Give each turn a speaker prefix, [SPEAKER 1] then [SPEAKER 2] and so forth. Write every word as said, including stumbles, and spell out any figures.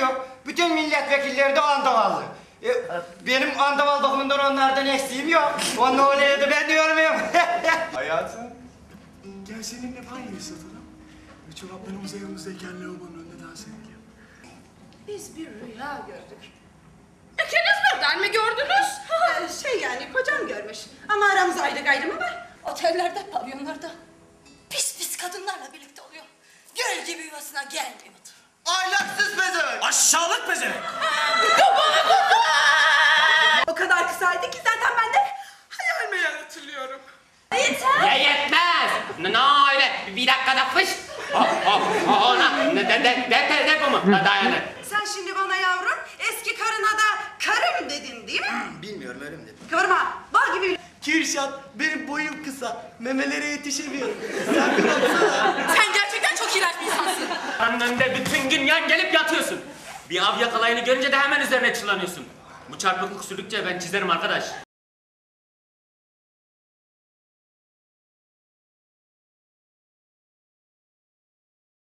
[SPEAKER 1] yok. Bütün milletvekilleri de andavallı. E, benim andaval bakımından onlardan eksiğim yok. O ne oluyordu ben diyorum ya.
[SPEAKER 2] Hayatım, gel seninle banyoyu satalım. Ve çoraplarımızı yanımızdayken lavabonun önünde dans edelim.
[SPEAKER 3] Biz bir rüya gördük.
[SPEAKER 4] İkiniz birden mi gördünüz?
[SPEAKER 3] Ee, şey yani kocam görmüş. Ama aramızda ayrı gayrı mı var?
[SPEAKER 4] Otellerde, pavyonlarda pis pis kadınlarla birlikte oluyor. Göl gibi yuvasına gelmiyordu.
[SPEAKER 1] Ahlaksız bezemek.
[SPEAKER 5] Aşağılık bezemek.
[SPEAKER 3] O kadar kısaydı ki zaten ben de hayal meyal hatırlıyorum.
[SPEAKER 4] Yeter.
[SPEAKER 6] Ya yetmez. Ne ne öyle bir dakikada fış. Oh oh oh ona ne de de de de de bu mu? Dayanır.
[SPEAKER 3] Sen şimdi bana yavrum eski karına da karım dedin değil mi?
[SPEAKER 1] Bilmiyorum öyle mi dedim.
[SPEAKER 3] Kıvırma. Bal gibi.
[SPEAKER 2] Kirşat, benim boyum kısa. Memelere yetişemiyorum. Sen bir baksana.
[SPEAKER 4] Sen gerçekten çok iğrenç bir insansın.
[SPEAKER 6] Önünde bütün gün yan gelip yatıyorsun. Bir av yakalayını görünce de hemen üzerine çullanıyorsun. Bu çarpıklık sürdükçe ben çizerim arkadaş.